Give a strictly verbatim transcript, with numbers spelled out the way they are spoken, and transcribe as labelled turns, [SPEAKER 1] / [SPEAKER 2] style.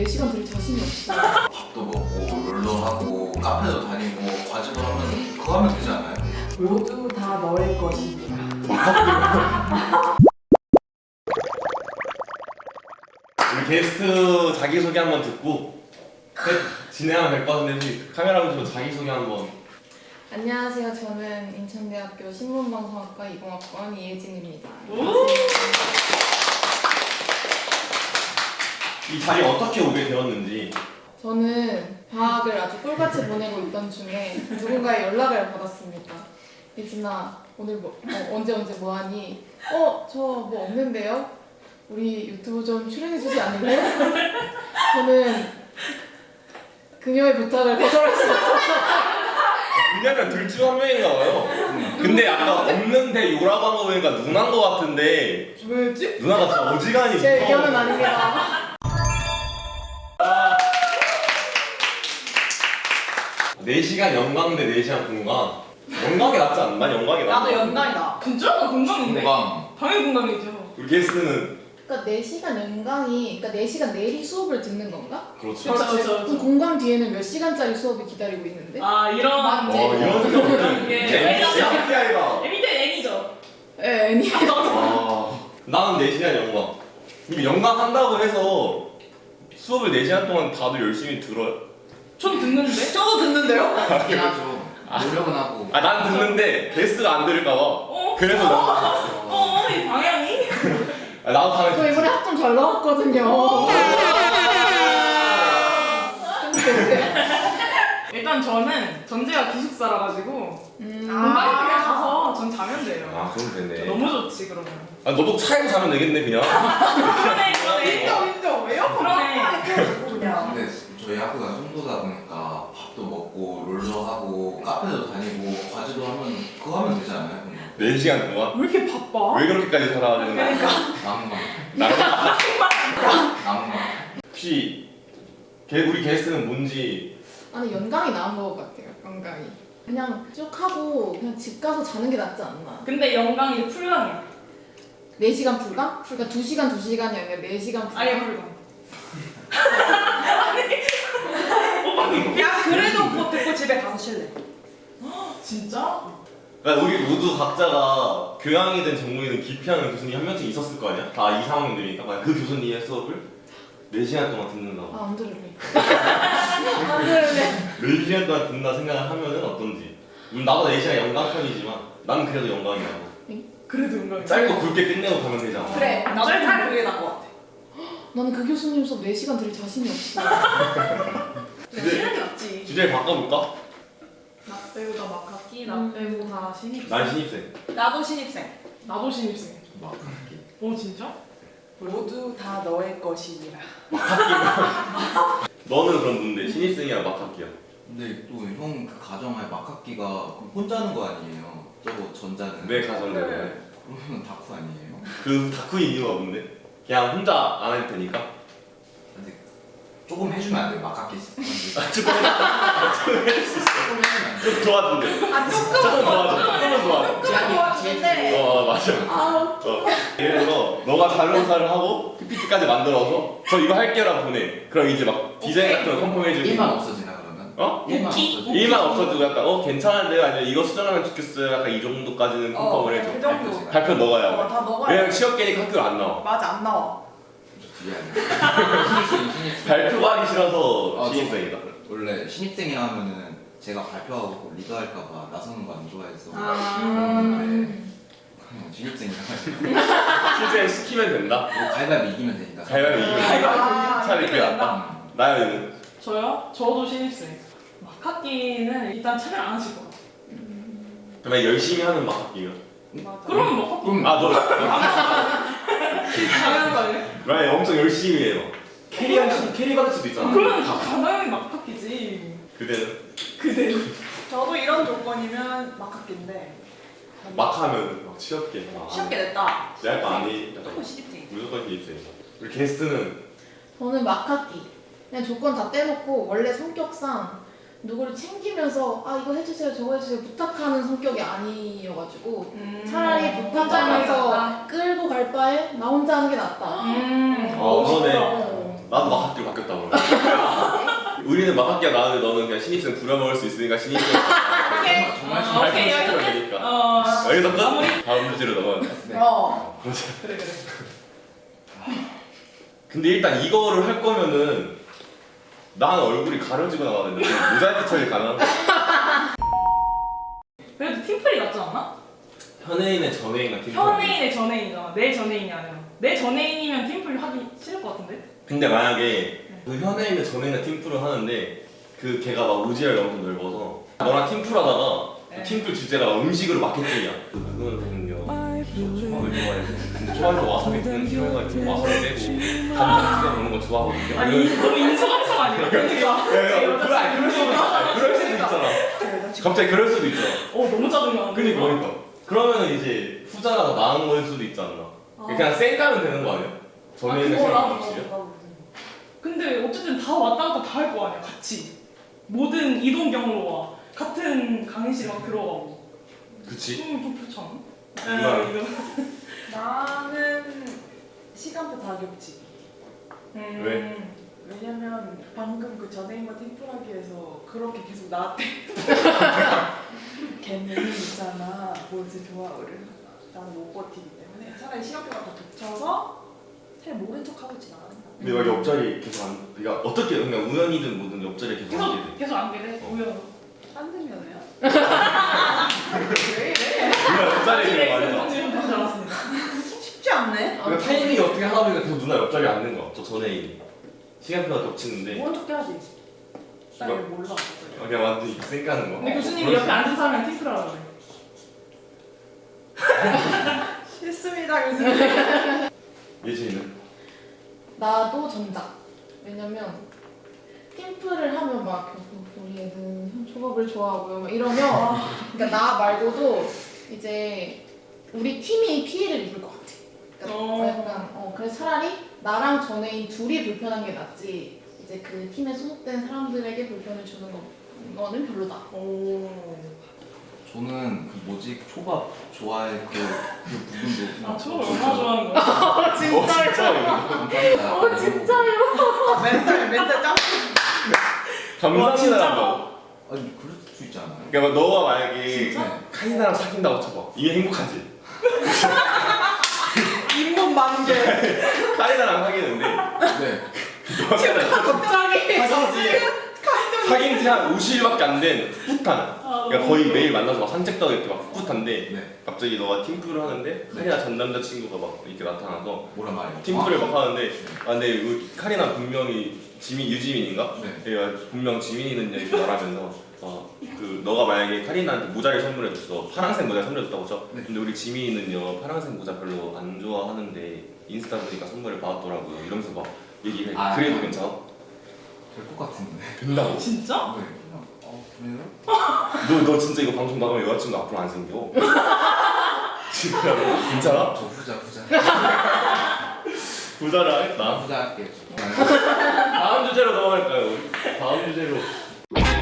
[SPEAKER 1] 시간 들 자신이 없어.
[SPEAKER 2] 밥도 먹고 롤러 하고 카페도 다니고 과제도 하면 그거 하면 되지 않아요?
[SPEAKER 1] 모두 다 너의 것이니라.
[SPEAKER 3] 우리 게스트 자기소개 한번 듣고 진행하면 될 것 같은데 혹시 카메라 보시고 자기소개 한번.
[SPEAKER 4] 안녕하세요. 저는 인천대학교 신문방송학과 이공학번 이혜진입니다.
[SPEAKER 3] 이 자리에 어떻게 오게 되었는지.
[SPEAKER 4] 저는 방학을 아주 꿀같이 보내고 있던 중에 누군가의 연락을 받았습니다. 예진아, 오늘 뭐, 어, 언제 언제 뭐하니? 어, 저 뭐 없는데요? 우리 유튜브 좀 출연해주지 않을래요? 저는 그녀의 부탁을 거절할 수 없었어요.
[SPEAKER 3] 그냥 둘 중 한 명인가 봐요. 근데 아까 없는데 요라고 한 거 보니까 누나인 거 같은데
[SPEAKER 4] 왜지?
[SPEAKER 3] 누나가 진짜 어지간히
[SPEAKER 4] 제 의견은 아닙니다.
[SPEAKER 3] 네 시간 연강대 네 시간 공강. 연강이 낫지 않나? 난 연강이 낫다.
[SPEAKER 1] 나도 연강이다.
[SPEAKER 5] 진짜? 나 공감인데?
[SPEAKER 2] 공강.
[SPEAKER 5] 당연히 공감이죠.
[SPEAKER 3] 우리 게스트는
[SPEAKER 4] 그러니까 네 시간 연강이, 그러니까 네 시간 내리 수업을 듣는 건가?
[SPEAKER 3] 그렇죠.
[SPEAKER 5] 그렇죠, 그렇죠,
[SPEAKER 4] 그럼
[SPEAKER 5] 그렇죠.
[SPEAKER 4] 공강 뒤에는 몇 시간짜리 수업이 기다리고 있는데?
[SPEAKER 5] 아, 이런.
[SPEAKER 4] 맞지?
[SPEAKER 3] 어 이런 생각은
[SPEAKER 5] 게
[SPEAKER 3] 엠비티아이가.
[SPEAKER 5] 에미테 N이죠.
[SPEAKER 4] 예, 아니.
[SPEAKER 3] 아, 나는 네 시간 연강. 이게 연강 한다고 해서 수업을 네 시간 동안 다들 열심히 들어요?
[SPEAKER 5] 전 듣는데?
[SPEAKER 1] 저도 듣는데요?
[SPEAKER 2] 하긴 하죠. 노력은 하고.
[SPEAKER 3] 아, 난 듣는데 게스트가 안 들을까 봐.
[SPEAKER 5] 어?
[SPEAKER 3] 그래서 나.
[SPEAKER 5] 어, 이 방향이?
[SPEAKER 3] 아, 나도
[SPEAKER 4] 저
[SPEAKER 3] 당연히.
[SPEAKER 4] 이번에 학점 잘 나왔거든요.
[SPEAKER 5] 일단 저는 전제가 기숙사라 가지고
[SPEAKER 4] 음.
[SPEAKER 5] 공방에 가서 전 자면 돼요.
[SPEAKER 3] 아, 그럼 됐네.
[SPEAKER 5] 너무 좋지 그러면.
[SPEAKER 3] 아, 너도 차에서 자면 되겠네 그냥.
[SPEAKER 5] 그러네 그러네.
[SPEAKER 1] 인정 인정. 에어컨
[SPEAKER 5] 그러네.
[SPEAKER 1] 해가지고 그냥.
[SPEAKER 2] 근데 저희 학교가 송도다 보니까 밥도 먹고 롤러 하고 카페도 다니고 과제도 하면 그거 하면 되지 않아요? 그럼?
[SPEAKER 3] 네 시간 동안?
[SPEAKER 5] 왜 이렇게 바빠?
[SPEAKER 3] 왜 그렇게까지 살아가는 거야?
[SPEAKER 5] 그러니까.
[SPEAKER 2] 낭만.
[SPEAKER 3] 나
[SPEAKER 2] 낭만.
[SPEAKER 3] 혹시 게, 우리 게스트는 뭔지.
[SPEAKER 4] 아니 연강이 나은 것 같아요. 연강이. 그냥 쭉 하고 그냥 집 가서 자는 게 낫지 않나.
[SPEAKER 5] 근데 영광이 풀강이야.
[SPEAKER 4] 네 시간 불강? 그러니까 두 시간 두 시간이 아니라 네 시간 불강.
[SPEAKER 5] 아예 풀강.
[SPEAKER 1] 야 그래도 그거 듣고 집에 가서 쉴래.
[SPEAKER 5] 진짜?
[SPEAKER 3] 그러니까 우리 모두 각자가 교양이든 전공이든 기피하는 교수님이 한 명씩 있었을 거 아니야? 다 이 상황들이니까 만약 그 교수님의 수업을 네 시간 동안 듣는다고.
[SPEAKER 4] 아, 안 들을래. 안 들을래.
[SPEAKER 3] 네 시간 동안 듣는다 생각을 하면은 어떤지. 물론 나도 네 시간 연강 편이지만 나는 그래도 연강이라고.
[SPEAKER 5] 그래도 영광이야.
[SPEAKER 3] 짧고 굵게 끝내고 가면 되잖아.
[SPEAKER 1] 그래. 나도 잘 그게 나은 것 같아.
[SPEAKER 4] 나는 그 교수님 수업 네 시간 들을 자신이 없어.
[SPEAKER 3] 주제,
[SPEAKER 5] 쉬는 게 낫지.
[SPEAKER 3] 주제 바꿔볼까?
[SPEAKER 5] 나 빼고 다 막학기, 나 빼고 다 신입생.
[SPEAKER 3] 난 신입생.
[SPEAKER 1] 나도 신입생.
[SPEAKER 5] 나도 신입생.
[SPEAKER 2] 막학기.
[SPEAKER 5] 어 진짜?
[SPEAKER 1] 모두 다 너의 것이니라.
[SPEAKER 3] 너는 그럼 뭔데? 신입생이야 막학기야?
[SPEAKER 2] 근데 또 형 그 가정하에 막학기가 그럼 혼자 하는 거 아니에요? 저거 전자는.
[SPEAKER 3] 내 가정대로.
[SPEAKER 2] 그러면 다쿠 아니에요?
[SPEAKER 3] 그 다크인 이유가 뭔데? 그냥 혼자 안 해도 되니까?
[SPEAKER 2] 근데 조금 해주면 안 돼요? 막학기
[SPEAKER 3] 아, 조금 해줄 수 있어.
[SPEAKER 2] 조금 해주면 안 돼요?
[SPEAKER 3] 좀 도와준대.
[SPEAKER 1] 아 조금
[SPEAKER 3] 조금 도와줘. 조금은 도와줘.
[SPEAKER 1] 조금 도와주는데.
[SPEAKER 3] 어 맞아. 어. 예를 들어 너가 자료조사를 하고 피피티까지 만들어서 저 이거 할게요라고 보내. 그럼 이제 막 디자인 같은 거 컨펌해주고.
[SPEAKER 2] 일만 없어지나 그러면?
[SPEAKER 3] 어?
[SPEAKER 2] 일만
[SPEAKER 5] 오키?
[SPEAKER 2] 없어지나?
[SPEAKER 3] 일만 없어지고 약간 어 괜찮은데요? 아니면 이거 수정하면 좋겠어요. 약간 이 정도까지는 컨펌을 해줘.
[SPEAKER 1] 그 정도.
[SPEAKER 3] 발표 너가 해야 돼.
[SPEAKER 1] 어다 너가.
[SPEAKER 3] 왜냐면 취업계니까 학교를 안 나와.
[SPEAKER 1] 맞아 안 나와.
[SPEAKER 2] 저 뒤에 아니에요? 신입생 신입생.
[SPEAKER 3] 발표가 하기 싫어서
[SPEAKER 2] 아, 저-
[SPEAKER 3] 신입생이다.
[SPEAKER 2] 원래 신입생이라 하면은 제가 발표하고 리더할까봐 나서는 거 안 좋아해서
[SPEAKER 1] 아.
[SPEAKER 2] 그런데 그냥 신입생이라 가지고
[SPEAKER 3] 실제 시키면 된다.
[SPEAKER 2] 뭐 가위바위보 이기면 되니까.
[SPEAKER 3] 가위바위보 이기면
[SPEAKER 1] 아,
[SPEAKER 3] 차라리 그게 낫다.
[SPEAKER 2] 음.
[SPEAKER 3] 나연이는?
[SPEAKER 5] 저요? 저도 신입생. 막학기는 일단 참여 안 하실 것 같아요.
[SPEAKER 3] 그러면 열심히 하는 막학기가.
[SPEAKER 1] 맞아.
[SPEAKER 5] 그러면 막학기
[SPEAKER 2] 그럼
[SPEAKER 3] 아 너.
[SPEAKER 5] 당연한 거 아니에요?
[SPEAKER 3] 라이 엄청 열심히 해요. 캐리할 수 캐리 받을 수도 있잖아.
[SPEAKER 5] 그러면 다 당연히 막학기지.
[SPEAKER 3] 그대는
[SPEAKER 5] 그대로.
[SPEAKER 1] 저도 이런 조건이면 막학기인데.
[SPEAKER 3] 막 하면 막 취업계.
[SPEAKER 1] 쉽게 냈다.
[SPEAKER 3] 내할 거 아니.
[SPEAKER 1] 조금 신입생.
[SPEAKER 3] 무조건 신입생. 우리 게스트는
[SPEAKER 4] 저는 막학기. 그냥 조건 다 떼놓고 원래 성격상 누구를 챙기면서 아 이거 해주세요 저거 해주세요 부탁하는 성격이 아니어가지고
[SPEAKER 5] 음.
[SPEAKER 4] 차라리 부탁하면서 끌고 갈 바에 나 혼자 하는 게 낫다.
[SPEAKER 5] 음.
[SPEAKER 3] 어, 그러네.
[SPEAKER 4] 어.
[SPEAKER 3] 나도 막학기로 바뀌었다 그러면. 우리는 막학기가 나왔는데 너는 그냥 신입생 부려먹을 수 있으니까 신입생
[SPEAKER 5] 오케이.
[SPEAKER 2] 정말
[SPEAKER 5] 어, 오케이
[SPEAKER 3] 시키면
[SPEAKER 5] 여기까지.
[SPEAKER 3] 되니까.
[SPEAKER 5] 어.
[SPEAKER 3] 여기서 끝?
[SPEAKER 5] 마무리.
[SPEAKER 3] 다음 주제로 넘어갈까?
[SPEAKER 2] 네.
[SPEAKER 1] 어.
[SPEAKER 5] 그래 그래.
[SPEAKER 3] 근데 일단 이거를 할 거면은 난 얼굴이 가려지고 나가야 되는데 모자이크 처리 가능한가?
[SPEAKER 5] 그래도 팀플이 낫지 않나?
[SPEAKER 3] 현애인의 전애인과 팀플.
[SPEAKER 5] 현애인의 전애인이잖아. 내 전애인이 아니라. 내 전애인이면 팀플 하기 싫을 것 같은데?
[SPEAKER 3] 근데 만약에 그 현애인의 전애인과 팀플을 하는데 그 걔가 막 오지랖이 엄청 넓어서 너랑 팀플 하다가
[SPEAKER 5] 네.
[SPEAKER 3] 그 팀플 주제가 음식으로 마케팅이야. 그 그거는요. 초밥을 좋아해서 근데 초밥에서 와사비 그냥 싫어해가지고 와사비 빼고 밥만 찍어 먹는 거 좋아하거든요.
[SPEAKER 5] 아니 너무 인수감성 아니야? 그러니까.
[SPEAKER 3] 야, 야, 그래, 아니, 그럴 수도 있어. 아니, 그럴 수도 있잖아. 갑자기 그럴 수도 있잖아.
[SPEAKER 5] 어 너무 짜증나.
[SPEAKER 3] 그니까, 그니까. 그러면은 이제 후자가 더 나은 거일 수도 있지 않나?
[SPEAKER 5] 아.
[SPEAKER 3] 그냥 쌩 까면 되는 거 아니야? 전에는
[SPEAKER 5] 그거
[SPEAKER 3] 쌩
[SPEAKER 5] 나도
[SPEAKER 3] 없이요?
[SPEAKER 5] 근데 어쨌든 다 왔다 갔다 다 할 거 아니야 같이. 모든 이동 경로와 같은 강의실에 들어가고.
[SPEAKER 3] 그치?
[SPEAKER 5] 음, 좀 그렇지 않아?
[SPEAKER 3] 누가?
[SPEAKER 5] 네, 이거.
[SPEAKER 1] 나는 시간표 다 겹치.
[SPEAKER 5] 음.
[SPEAKER 3] 왜?
[SPEAKER 1] 왜냐면 방금 그 전애인과 팀플하기에서 그렇게 계속 나한테 걔는 있잖아 뭐지 좋아 그래 나는 못 버티기 때문에 차라리 시간표가 다 겹쳐서 잘 모른 척하고 지나간다.
[SPEAKER 3] 근데 막 옆자리 계속 안, 그러니까 어떻게, 그냥 우연이든 뭐든 옆자리에 계속
[SPEAKER 5] 계속
[SPEAKER 3] 앉게 돼.
[SPEAKER 5] 계속 안 되네.
[SPEAKER 3] 어.
[SPEAKER 5] 우연.
[SPEAKER 1] 딴 데면요?
[SPEAKER 4] 왜 이래?
[SPEAKER 3] 누나 옆자리에
[SPEAKER 5] 네,
[SPEAKER 3] 계속 앉아.
[SPEAKER 5] 네, 다시 알았습니다.
[SPEAKER 1] 쉽지 않네.
[SPEAKER 3] 그러니까 타이밍이 어떻게 하다 보니까 계속 누나 옆자리에 앉는 거야. 저 전에 시간표가 겹치는데
[SPEAKER 1] 모른 척 해야지. 나
[SPEAKER 3] 이거-
[SPEAKER 1] 이거 몰라.
[SPEAKER 3] 그냥 완전 이렇게 쌩 까는 거.
[SPEAKER 5] 근데 교수님이 옆에 앉은 사람이랑 팀플하라고 그래.
[SPEAKER 1] 싫습니다 교수님.
[SPEAKER 3] 예진이는?
[SPEAKER 4] 나도 전자. 왜냐면 팀플을 하면 막 우리 애는 초밥을 좋아하고요 막 이러면 그러니까 나 말고도 이제 우리 팀이 피해를 입을 것 같아. 그러니까
[SPEAKER 5] 어.
[SPEAKER 4] 약간 어 그래서 차라리 나랑 전애인 둘이 불편한 게 낫지. 이제 그 팀에 소속된 사람들에게 불편을 주는 거, 거는 별로다.
[SPEAKER 5] 오.
[SPEAKER 2] 저는 그 뭐지 초밥 좋아해 그, 그 부분도
[SPEAKER 5] 아 초밥 얼마나 좋아하는 거야?
[SPEAKER 3] 어, 진짜요?
[SPEAKER 2] 감사합니다.
[SPEAKER 4] 어 진짜요?
[SPEAKER 1] 멘탈 멘탈 짱.
[SPEAKER 5] 와, 진짜?
[SPEAKER 3] 감사합니다.
[SPEAKER 2] 아니 그럴 수 있지 않아요?
[SPEAKER 3] 그러니까 너가 만약에
[SPEAKER 2] 진짜?
[SPEAKER 3] 카이나랑 사귄다고 쳐봐. 이게 행복하지?
[SPEAKER 1] 잇몸 만개.
[SPEAKER 3] 카이나랑 사귀는데
[SPEAKER 2] 네.
[SPEAKER 1] 갑자기.
[SPEAKER 3] 사귄 지 한 오십 일밖에 안 된 풋풋한.
[SPEAKER 5] 아,
[SPEAKER 3] 그러니까 거의 매일 만나서 막 산책도 하고 이렇게 막 풋풋한데
[SPEAKER 2] 네.
[SPEAKER 3] 갑자기 너가 팀플을 하는데 카리나 전 남자친구가 막 이렇게 나타나서
[SPEAKER 2] 뭐란 말이에요?
[SPEAKER 3] 팀플을 막 하는데 아 근데 이 카리나 분명히 지민 유지민인가?
[SPEAKER 2] 네.
[SPEAKER 3] 얘가 분명 지민이는 이렇게 말하면서 어, 그 너가 만약에 카리나한테 모자를 선물해줬어. 파란색 모자 선물해줬다고 쳐.
[SPEAKER 2] 네.
[SPEAKER 3] 근데 우리 지민이는요 파란색 모자 별로 안 좋아하는데 인스타 보니까 선물을 받았더라고요. 이러면서 막 얘기해.
[SPEAKER 2] 아,
[SPEAKER 3] 그래도
[SPEAKER 2] 아.
[SPEAKER 3] 괜찮아?
[SPEAKER 2] 될 것 같은데.
[SPEAKER 3] 된다고?
[SPEAKER 5] 진짜?
[SPEAKER 2] 네. 그냥 어 그래요?
[SPEAKER 3] 너, 너 진짜 이거 방송 나가면 여자친구 앞으로 안 생겨. 진짜 괜찮아?
[SPEAKER 2] 저 후자 후자.
[SPEAKER 3] 부자를
[SPEAKER 2] 나
[SPEAKER 3] 하겠다.
[SPEAKER 2] 후자 할게요.
[SPEAKER 3] 다음 주제로 넘어갈까요? 우리? 다음 주제로.